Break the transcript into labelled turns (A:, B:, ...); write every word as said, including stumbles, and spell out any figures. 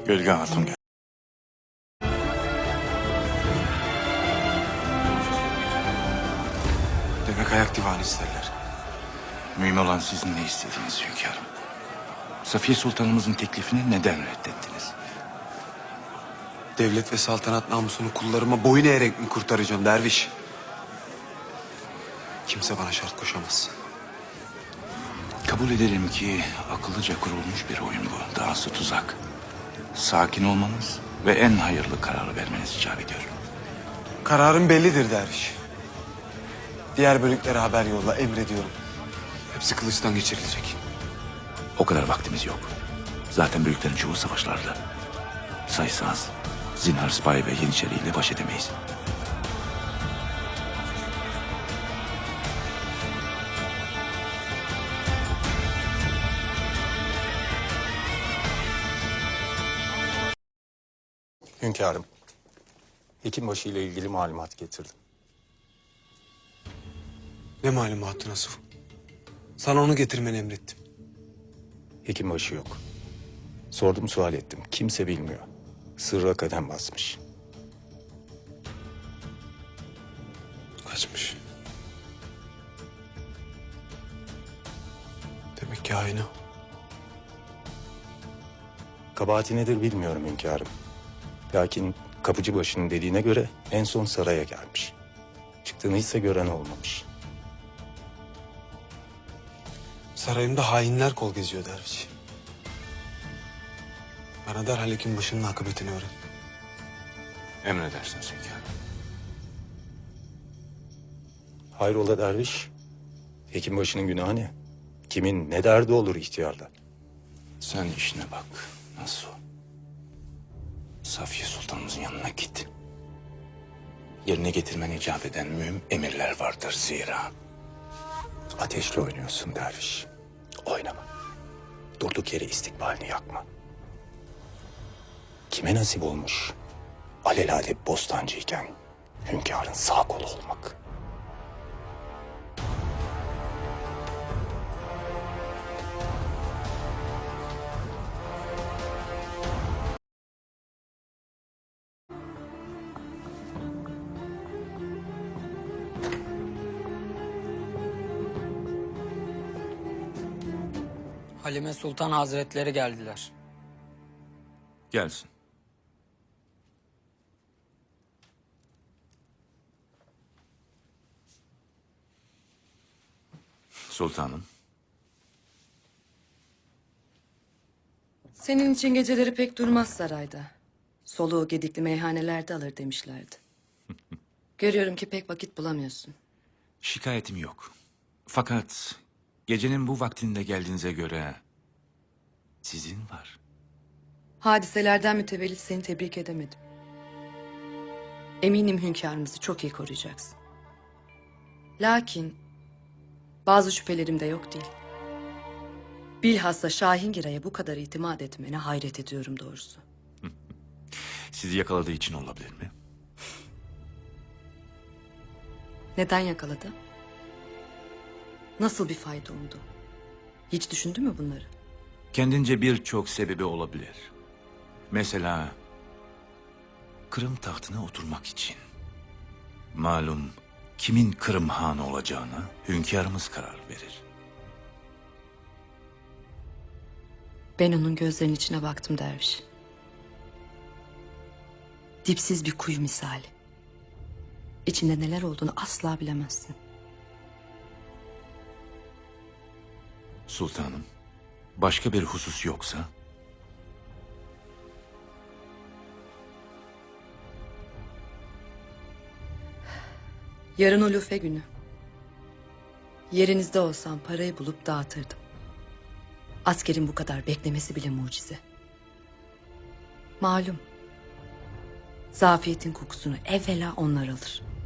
A: Gölge Hatun gel. Demek ayak divanı isterler. Mühim olan sizin ne istediğiniz hünkârım. Safiye Sultanımızın teklifini neden reddettiniz?
B: Devlet ve saltanat namusunu kullarıma boyun eğerek mi kurtaracağım derviş? Kimse bana şart koşamaz.
A: Kabul edelim ki akıllıca kurulmuş bir oyun bu. Dahası tuzak. Sakin olmanız ve en hayırlı kararı vermeniz icap ediyor.
B: Kararım bellidir derviş. Diğer bölüklere haber yolla, emrediyorum. Hepsi kılıçtan geçirilecek.
A: O kadar vaktimiz yok. Zaten büyüklerin çoğu savaşlarda. Sayısı az. Zinhar Sipahi ve Yeniçeri ile baş edemeyiz.
C: Hünkârım, Hekimbaşı ile ilgili malumat getirdim.
B: Ne malumatı Nasuh? Sana onu getirmeni emrettim.
C: Hekimbaşı yok. Sordum, sual ettim. Kimse bilmiyor. Sırra kadem basmış.
B: Kaçmış. Demek ki hain o.
C: Kabahati nedir bilmiyorum hünkârım. Lakin Kapıcıbaşı'nın dediğine göre en son saraya gelmiş. Çıktığını ise gören olmamış.
B: Sarayımda hainler kol geziyor derviş. Bana derhal Hekimbaşı'nın akıbetini öğren.
A: Emredersiniz hünkârım.
C: Hayrola derviş? Hekimbaşı'nın günahı ne? Kimin ne derdi olur ihtiyarda?
A: Sen işine bak. Nasıl? Safiye Sultanımızın yanına git. Yerine getirmen icap eden mühim emirler vardır zira.
C: Ateşle oynuyorsun derviş. Oynama. Durduk yere istikbalini yakma. Kime nasip olmuş alelade bostancıyken hünkârın sağ kolu olmak?
D: Halime Sultan Hazretleri geldiler.
A: Gelsin. Sultanım.
E: Senin için geceleri pek durmaz sarayda. Soluğu gedikli meyhanelerde alır demişlerdi. Görüyorum ki pek vakit bulamıyorsun.
A: Şikayetim yok. Fakat gecenin bu vaktinde geldiğinize göre sizin var.
E: Hadiselerden mütevellit seni tebrik edemedim. Eminim hünkârımızı çok iyi koruyacaksın. Lakin bazı şüphelerim de yok değil. Bilhassa Şahingira'ya bu kadar itimat etmene hayret ediyorum doğrusu.
A: Sizi yakaladığı için olabilir mi?
E: Neden yakaladı? Nasıl bir fayda umdu? Hiç düşündü mü bunları?
A: Kendince birçok sebebi olabilir. Mesela Kırım tahtına oturmak için. Malum kimin Kırım Hanı olacağına hünkârımız karar verir.
E: Ben onun gözlerinin içine baktım derviş. Dipsiz bir kuyu misali. İçinde neler olduğunu asla bilemezsin.
A: Sultanım, başka bir husus yoksa?
E: Yarın ulufe günü. Yerinizde olsam parayı bulup dağıtırdım. Askerin bu kadar beklemesi bile mucize. Malum. Zafiyetin kokusunu evvela onlar alır.